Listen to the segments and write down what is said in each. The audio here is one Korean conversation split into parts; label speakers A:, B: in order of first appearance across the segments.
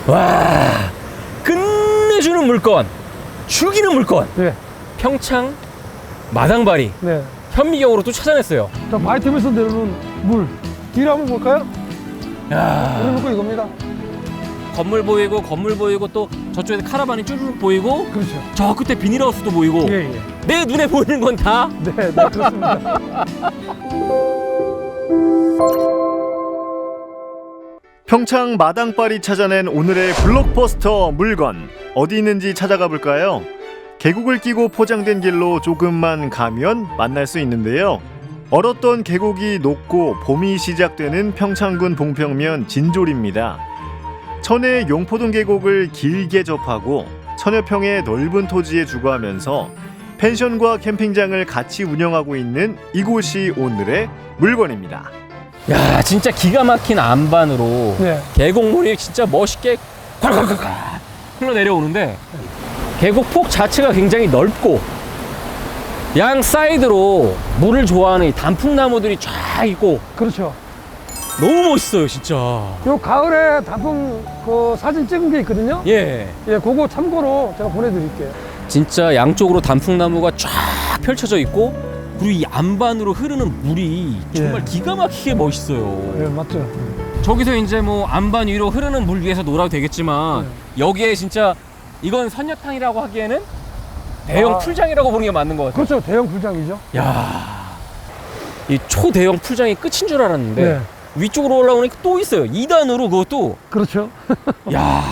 A: 와, 끝내주는 물건, 죽이는 물건.
B: 네.
A: 평창 마당바리
B: 네.
A: 현미경으로 또 찾아냈어요.
B: 자, 바이텀에서 내려오는 물. 뒤로 한번 볼까요?
A: 야,
B: 우리 물건 이겁니다.
A: 건물 보이고 또 저쪽에 카라반이 쭈르륵 보이고
B: 그렇죠.
A: 저 끝에 비닐하우스도 보이고
B: 예, 예.
A: 내 눈에 보이는 건 다
B: 네, 네, 그렇습니다.
C: 평창 마당발이 찾아낸 오늘의 블록버스터 물건 어디 있는지 찾아가 볼까요? 계곡을 끼고 포장된 길로 조금만 가면 만날 수 있는데요. 얼었던 계곡이 녹고 봄이 시작되는 평창군 봉평면 진졸입니다. 천혜의 용포동 계곡을 길게 접하고 천여 평의 넓은 토지에 주거하면서 펜션과 캠핑장을 같이 운영하고 있는 이곳이 오늘의 물건입니다.
A: 야, 진짜 기가 막힌 안반으로
B: 네.
A: 계곡물이 진짜 멋있게 콸콸콸콸 흘러내려오는데 계곡 폭 자체가 굉장히 넓고 양 사이드로 물을 좋아하는 이 단풍나무들이 쫙 있고
B: 그렇죠.
A: 너무 멋있어요 진짜.
B: 요 가을에 단풍 그 사진 찍은 게 있거든요.
A: 예,
B: 예, 그거 참고로 제가 보내드릴게요.
A: 진짜 양쪽으로 단풍나무가 쫙 펼쳐져 있고 그리고 이 안반으로 흐르는 물이 정말
B: 예.
A: 기가 막히게 멋있어요.
B: 예, 맞죠.
A: 저기서 이제 뭐 안반 위로 흐르는 물 위에서 놀아도 되겠지만 여기에 진짜 이건 선녀탕이라고 하기에는 대형 풀장이라고 보는 게 맞는 것 같아요.
B: 그렇죠. 대형 불장이죠.
A: 야, 이 초대형 풀장이 끝인 줄 알았는데
B: 네.
A: 위쪽으로 올라오니까 또 있어요. 2단으로 그것도.
B: 그렇죠.
A: 야,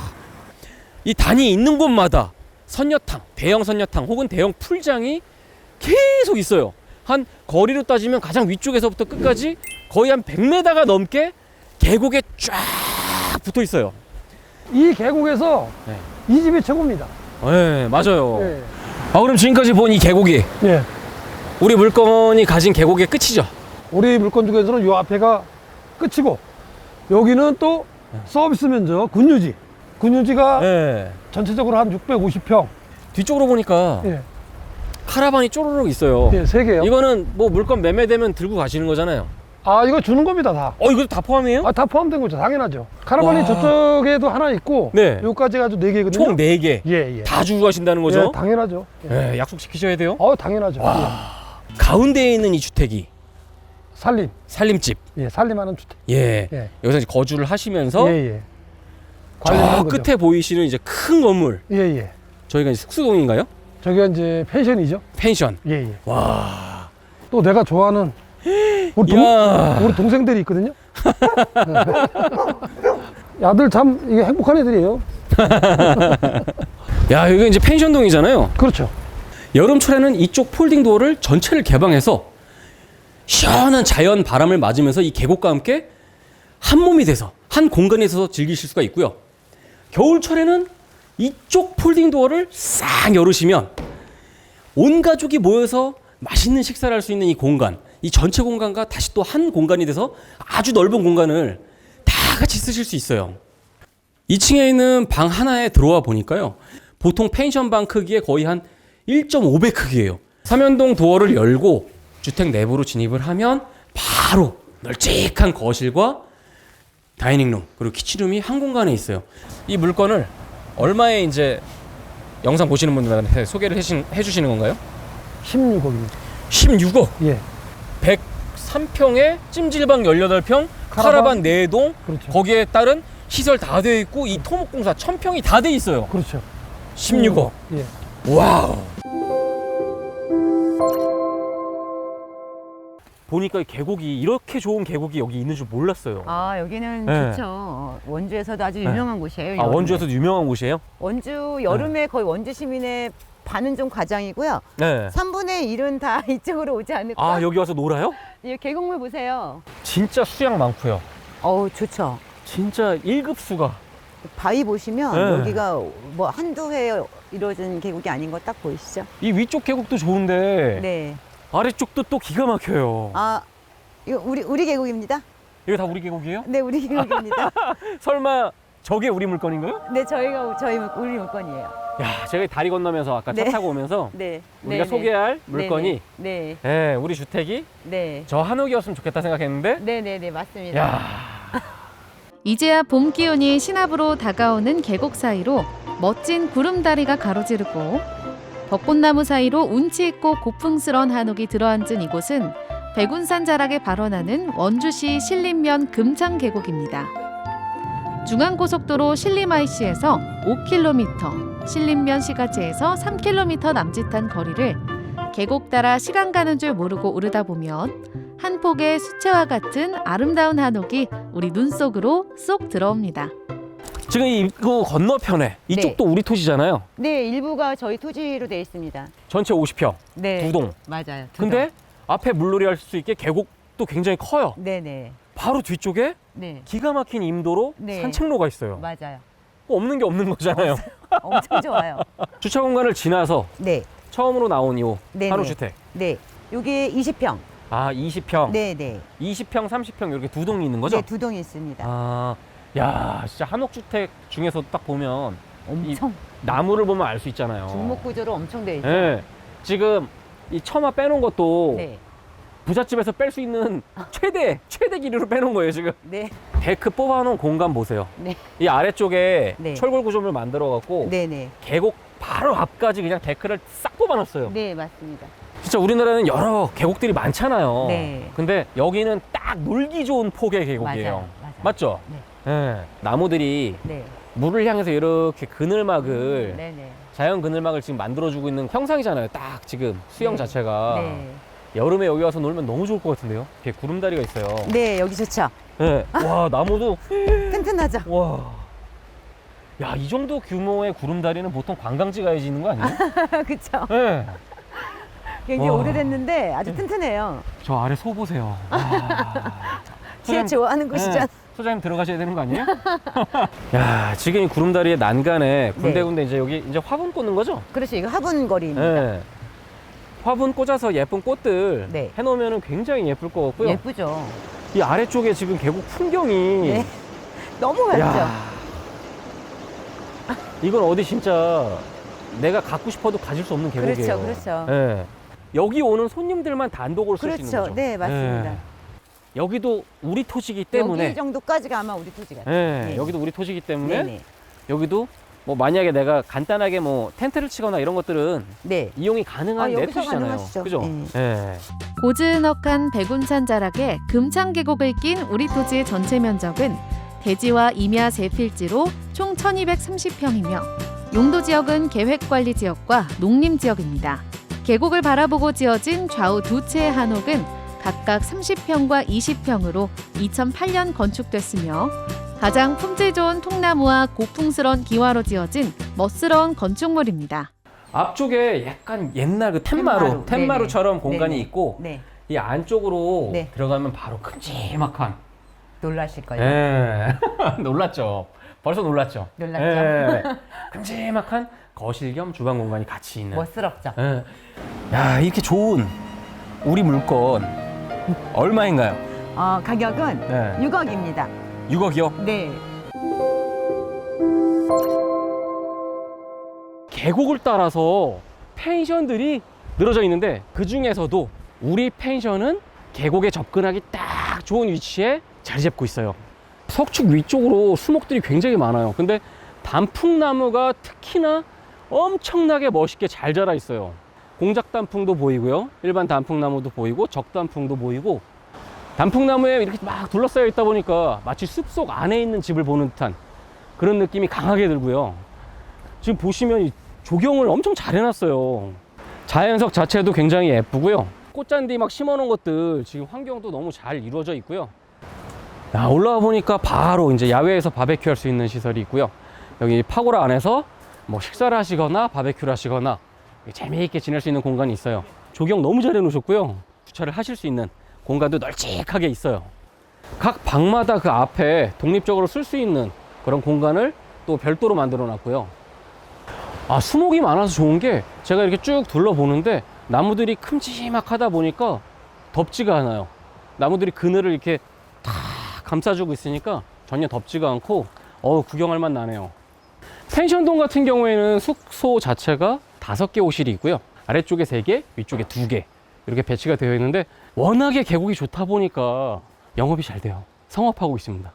A: 이 단이 있는 곳마다 선녀탕, 대형 선녀탕 혹은 대형 풀장이 계속 있어요. 한 거리로 따지면 가장 위쪽에서부터 끝까지 거의 한 100m가 넘게 계곡에 쫙 붙어 있어요.
B: 이 계곡에서
A: 네.
B: 이 집이 최고입니다.
A: 네, 맞아요.
B: 예.
A: 아, 그럼 지금까지 본 이 계곡이
B: 예.
A: 우리 물건이 가진 계곡의 끝이죠?
B: 우리 물건 중에서는 요 앞에가 끝이고 여기는 또 서비스 면적 군유지. 군유지가
A: 네.
B: 전체적으로 한 650평.
A: 뒤쪽으로 보니까
B: 예.
A: 카라반이 쪼르륵 있어요.
B: 예, 3개요.
A: 이거는 뭐 물건 매매되면 들고 가시는 거잖아요.
B: 아, 이거 주는 겁니다, 다.
A: 이것도 다 포함이에요?
B: 아, 다 포함된 거죠. 당연하죠. 카라반이
A: 와.
B: 저쪽에도 하나 있고
A: 네.
B: 여기까지 가지고 4개거든요.
A: 총 4개.
B: 예, 예.
A: 다 주고 가신다는 거죠?
B: 예, 당연하죠. 예.
A: 네, 약속 지키셔야 돼요.
B: 당연하죠.
A: 가운데에 있는 이 주택이
B: 예. 살림.
A: 살림집.
B: 예, 살림하는 주택.
A: 예.
B: 예.
A: 여기서 이제 거주를 하시면서
B: 예, 예.
A: 저
B: 관리하는 거죠.
A: 끝에 보이시는 이제 큰 건물.
B: 예, 예.
A: 저희가 이제 숙소동인가요?
B: 저기가 이제 펜션이죠.
A: 펜션.
B: 예, 예.
A: 와.
B: 또 내가 좋아하는
A: 야.
B: 우리 동생들이 있거든요. 아들 참 이게 행복한 애들이에요.
A: 야, 여기 이제 펜션동이잖아요.
B: 그렇죠.
A: 여름철에는 이쪽 폴딩 도어를 전체를 개방해서 시원한 자연 바람을 맞으면서 이 계곡과 함께 한 몸이 돼서 한 공간에서 즐기실 수가 있고요. 겨울철에는 이쪽 폴딩 도어를 싹 열으시면 온 가족이 모여서 맛있는 식사를 할 수 있는 이 공간, 이 전체 공간과 다시 또 한 공간이 돼서 아주 넓은 공간을 다 같이 쓰실 수 있어요. 2층에 있는 방 하나에 들어와 보니까요. 보통 펜션 방 크기의 거의 한 1.5배 크기예요. 삼연동 도어를 열고 주택 내부로 진입을 하면 바로 널찍한 거실과 다이닝룸 그리고 키친룸이 한 공간에 있어요. 이 물건을 얼마에 이제 영상 보시는 분들한테 소개를 해주시는 건가요?
B: 16억입니다.
A: 16억.
B: 예.
A: 103평에 찜질방 18평, 카라반 4동,
B: 그렇죠.
A: 거기에 따른 시설 다 되어 있고 이 토목공사 1000평이 다 돼 있어요.
B: 그렇죠.
A: 16억.
B: 예.
A: 와우. 보니까 이 계곡이 이렇게 좋은 계곡이 여기 있는 줄 몰랐어요.
D: 아, 여기는
A: 네.
D: 좋죠. 원주에서도 아주 유명한 곳이에요.
A: 아,
D: 여름에.
A: 원주에서도 유명한 곳이에요?
D: 원주 여름에 거의 원주 시민의 반은 좀 과장이고요.
A: 네.
D: 3분의 1은 다 이쪽으로 오지 않을까?
A: 아, 여기 와서 놀아요?
D: 이 계곡물 보세요.
A: 진짜 수량 많고요.
D: 어우, 좋죠.
A: 진짜 1급수가.
D: 바위 보시면
A: 네.
D: 여기가 뭐 한두 해 이루어진 계곡이 아닌 거 딱 보이시죠?
A: 이 위쪽 계곡도 좋은데
D: 네.
A: 아래쪽도 또 기가 막혀요.
D: 아, 이거 우리 계곡입니다.
A: 이거 다 우리 계곡이에요?
D: 네, 우리 계곡입니다.
A: 설마 저게 우리 물건인가요?
D: 네, 우리 물건이에요.
A: 야, 제가 다리 건너면서 아까 차
D: 네.
A: 타고 오면서
D: 네.
A: 우리가
D: 네,
A: 소개할
D: 네.
A: 물건이
D: 네.
A: 네, 우리 주택이
D: 네.
A: 저 한옥이었으면 좋겠다 생각했는데
D: 네, 네, 네, 맞습니다.
A: 야,
E: 이제야 봄 기운이 신압으로 다가오는 계곡 사이로 멋진 구름다리가 가로지르고 벚꽃나무 사이로 운치 있고 고풍스런 한옥이 들어앉은 이곳은 백운산 자락에 발원하는 원주시 신림면 금창계곡입니다. 중앙고속도로 신림-IC에서 5km, 신림면 시가지에서 3km 남짓한 거리를 계곡 따라 시간 가는 줄 모르고 오르다 보면 한 폭의 수채화 같은 아름다운 한옥이 우리 눈 속으로 쏙 들어옵니다.
A: 지금 이거 건너편에 이쪽도 우리 토지잖아요.
D: 네, 일부가 저희 토지로 되어 있습니다.
A: 전체 50평,
D: 네.
A: 두 동.
D: 맞아요.
A: 근데 앞에 물놀이 할 수 있게 계곡도 굉장히 커요.
D: 네네.
A: 바로 뒤쪽에
D: 네.
A: 기가 막힌 임도로
D: 네.
A: 산책로가 있어요.
D: 맞아요.
A: 없는 게 없는 거잖아요.
D: 엄청 좋아요.
A: 주차 공간을 지나서
D: 네.
A: 처음으로 나온 이
D: 네네.
A: 한옥주택.
D: 네. 요게 20평.
A: 아, 20평.
D: 네네.
A: 20평, 30평 이렇게 두 동이 있는 거죠?
D: 네, 두 동이 있습니다.
A: 아, 야, 진짜 한옥주택 중에서 딱 보면
D: 엄청
A: 나무를 보면 알 수 있잖아요.
D: 중목 구조로 엄청 되어 있죠.
A: 네. 지금 이 처마 빼놓은 것도
D: 네.
A: 부잣집에서 뺄 수 있는 최대 길이로 빼놓은 거예요, 지금.
D: 네.
A: 데크 뽑아놓은 공간 보세요.
D: 네.
A: 이 아래쪽에
D: 네.
A: 철골 구조물 만들어갖고
D: 네네.
A: 계곡 바로 앞까지 그냥 데크를 싹 뽑아놨어요.
D: 네, 맞습니다.
A: 진짜 우리나라는 여러 계곡들이 많잖아요.
D: 네.
A: 근데 여기는 딱 놀기 좋은 폭의 계곡이에요.
D: 맞아요.
A: 맞죠?
D: 네.
A: 네. 나무들이
D: 네.
A: 물을 향해서 이렇게 그늘막을
D: 네네.
A: 자연 그늘막을 지금 만들어주고 있는 형상이잖아요. 딱 지금 수영
D: 네.
A: 자체가
D: 네.
A: 여름에 여기 와서 놀면 너무 좋을 것 같은데요. 이렇게 구름다리가 있어요.
D: 네, 여기 좋죠.
A: 네. 와, 나무도
D: 튼튼하죠.
A: 와. 야, 이 정도 규모의 구름다리는 보통 관광지 가야지 있는 거 아니에요?
D: 그쵸.
A: 네.
D: 굉장히
A: 와.
D: 오래됐는데 아주 튼튼해요.
A: 저 아래 소 보세요. 와.
D: 지혜 좋아하는 곳이잖아.
A: 네. 소장님 들어가셔야 되는 거 아니에요? 야, 지금 이 구름다리의 난간에 군데군데 이제 여기 이제 화분 꽂는 거죠?
D: 그렇죠. 이거 화분거리입니다.
A: 네. 화분 꽂아서 예쁜 꽃들
D: 네.
A: 해놓으면 굉장히 예쁠 것 같고요.
D: 예쁘죠.
A: 이 아래쪽에 지금 계곡 풍경이
D: 네. 너무 밝죠.
A: 야, 이건 어디 진짜 내가 갖고 싶어도 가질 수 없는 계곡이에요.
D: 그렇죠, 그렇죠.
A: 네. 여기 오는 손님들만 단독으로 쓸 수 있는
D: 그렇죠.
A: 거죠.
D: 네, 맞습니다.
A: 네. 여기도 우리 토지이기 때문에
D: 여기 정도까지가 아마 우리 토지 같아요.
A: 네,
D: 네.
A: 여기도 우리 토지이기 때문에
D: 네네.
A: 여기도 뭐 만약에 내가 간단하게 뭐 텐트를 치거나 이런 것들은
D: 네.
A: 이용이 가능한 내
D: 여기서
A: 토지잖아요.
D: 가능하시죠.
A: 그죠?
D: 네.
A: 네.
E: 고즈넉한 백운산 자락에 금창계곡을 낀 우리 토지의 전체 면적은 대지와 임야 세 필지로 총 1230평이며 용도 지역은 계획관리지역과 농림지역입니다. 계곡을 바라보고 지어진 좌우 두 채의 한옥은 각각 30평과 20평으로 2008년 건축됐으며 가장 품질 좋은 통나무와 고풍스런 기와로 지어진 멋스러운 건축물입니다.
A: 앞쪽에 약간 옛날 그 텐마루처럼 공간이
D: 네네.
A: 있고
D: 네.
A: 이 안쪽으로
D: 네.
A: 들어가면 바로 큼지막한
D: 놀라실 거예요.
A: 예. 놀랐죠. 벌써 놀랐죠.
D: 놀랐죠.
A: 예. 큼지막한 거실 겸 주방 공간이 같이 있는.
D: 멋스럽죠.
A: 예. 야, 이렇게 좋은 우리 물건 얼마인가요?
D: 가격은
A: 네.
D: 6억입니다.
A: 6억이요?
D: 네.
A: 계곡을 따라서 펜션들이 늘어져 있는데 그 중에서도 우리 펜션은 계곡에 접근하기 딱 좋은 위치에 자리 잡고 있어요. 석축 위쪽으로 수목들이 굉장히 많아요. 근데 단풍나무가 특히나 엄청나게 멋있게 잘 자라 있어요. 공작 단풍도 보이고요. 일반 단풍나무도 보이고 적단풍도 보이고 단풍나무에 이렇게 막 둘러싸여 있다 보니까 마치 숲속 안에 있는 집을 보는 듯한 그런 느낌이 강하게 들고요. 지금 보시면 이 조경을 엄청 잘 해놨어요. 자연석 자체도 굉장히 예쁘고요. 꽃잔디 막 심어놓은 것들 지금 환경도 너무 잘 이루어져 있고요. 야, 올라와 보니까 바로 이제 야외에서 바베큐 할 수 있는 시설이 있고요. 여기 파고라 안에서 뭐 식사를 하시거나 바베큐를 하시거나 재미있게 지낼 수 있는 공간이 있어요. 조경 너무 잘 해놓으셨고요. 주차를 하실 수 있는 공간도 널찍하게 있어요. 각 방마다 그 앞에 독립적으로 쓸 수 있는 그런 공간을 또 별도로 만들어 놨고요. 아, 수목이 많아서 좋은 게 제가 이렇게 쭉 둘러보는데 나무들이 큼지막하다 보니까 덥지가 않아요. 나무들이 그늘을 이렇게 다 감싸주고 있으니까 전혀 덥지가 않고 구경할 맛 나네요. 펜션동 같은 경우에는 숙소 자체가 5개 호실이 있고요. 아래쪽에 3개, 위쪽에 2개 이렇게 배치가 되어 있는데 워낙에 계곡이 좋다 보니까 영업이 잘 돼요. 성업하고 있습니다.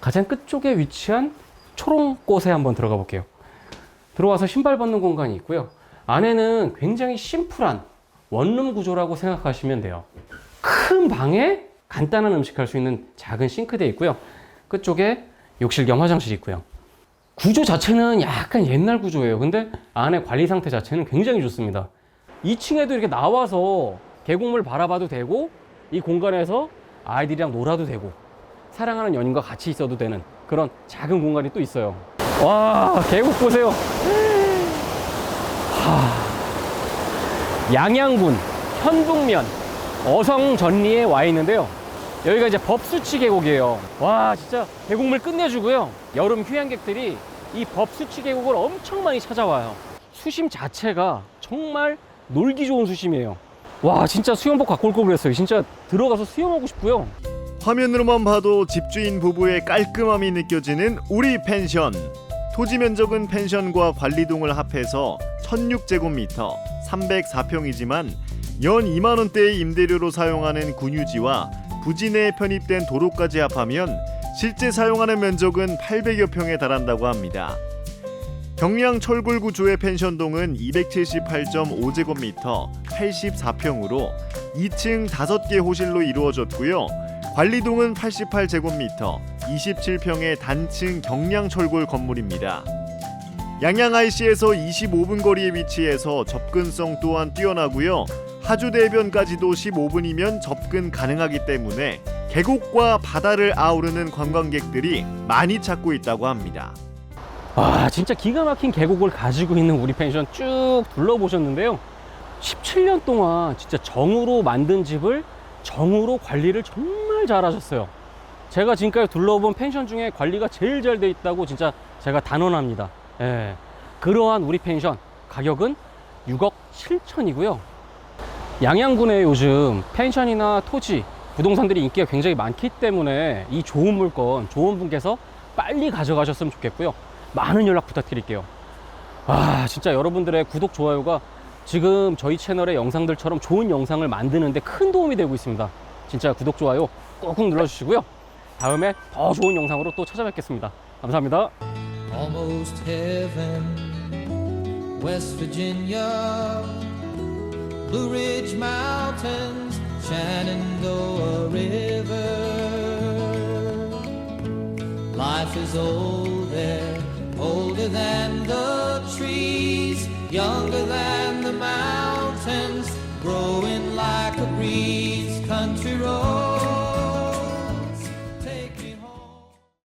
A: 가장 끝쪽에 위치한 초롱꽃에 한번 들어가 볼게요. 들어와서 신발 벗는 공간이 있고요. 안에는 굉장히 심플한 원룸 구조라고 생각하시면 돼요. 큰 방에 간단한 음식 할 수 있는 작은 싱크대 있고요. 끝쪽에 욕실 겸 화장실이 있고요. 구조 자체는 약간 옛날 구조예요. 근데 안에 관리 상태 자체는 굉장히 좋습니다. 2층에도 이렇게 나와서 계곡물 바라봐도 되고, 이 공간에서 아이들이랑 놀아도 되고, 사랑하는 연인과 같이 있어도 되는 그런 작은 공간이 또 있어요. 와, 계곡 보세요. 양양군 현북면 어성전리에 와 있는데요. 여기가 이제 법수치 계곡이에요. 와, 진짜 계곡물 끝내주고요. 여름 휴양객들이 이 법수치 계곡을 엄청 많이 찾아와요. 수심 자체가 정말 놀기 좋은 수심이에요. 와, 진짜 수영복 갖고 올 걸 그랬어요. 진짜 들어가서 수영하고 싶고요.
C: 화면으로만 봐도 집주인 부부의 깔끔함이 느껴지는 우리 펜션. 토지 면적은 펜션과 관리동을 합해서 16제곱미터 304평이지만 연 2만 원대의 임대료로 사용하는 군유지와 부지 내에 편입된 도로까지 합하면 실제 사용하는 면적은 800여 평에 달한다고 합니다. 경량 철골 구조의 펜션동은 278.5제곱미터 84평으로 2층 5개 호실로 이루어졌고요. 관리동은 88제곱미터 27평의 단층 경량 철골 건물입니다. 양양 IC에서 25분 거리에 위치해서 접근성 또한 뛰어나고요. 하주대변까지도 15분이면 접근 가능하기 때문에 계곡과 바다를 아우르는 관광객들이 많이 찾고 있다고 합니다.
A: 와, 진짜 기가 막힌 계곡을 가지고 있는 우리 펜션 쭉 둘러보셨는데요. 17년 동안 진짜 정으로 만든 집을 정으로 관리를 정말 잘하셨어요. 제가 지금까지 둘러본 펜션 중에 관리가 제일 잘 돼 있다고 진짜 제가 단언합니다. 예. 그러한 우리 펜션 가격은 6억 7천이고요. 양양군에 요즘 펜션이나 토지, 부동산들이 인기가 굉장히 많기 때문에 이 좋은 물건, 좋은 분께서 빨리 가져가셨으면 좋겠고요. 많은 연락 부탁드릴게요. 아, 진짜 여러분들의 구독, 좋아요가 지금 저희 채널의 영상들처럼 좋은 영상을 만드는데 큰 도움이 되고 있습니다. 진짜 구독, 좋아요 꾹꾹 눌러주시고요. 다음에 더 좋은 영상으로 또 찾아뵙겠습니다. 감사합니다.
F: Almost heaven, West Virginia, Blue Ridge Mountains, Shenandoah River. Life is old there, older than the trees, younger than the mountains, growing like a breeze.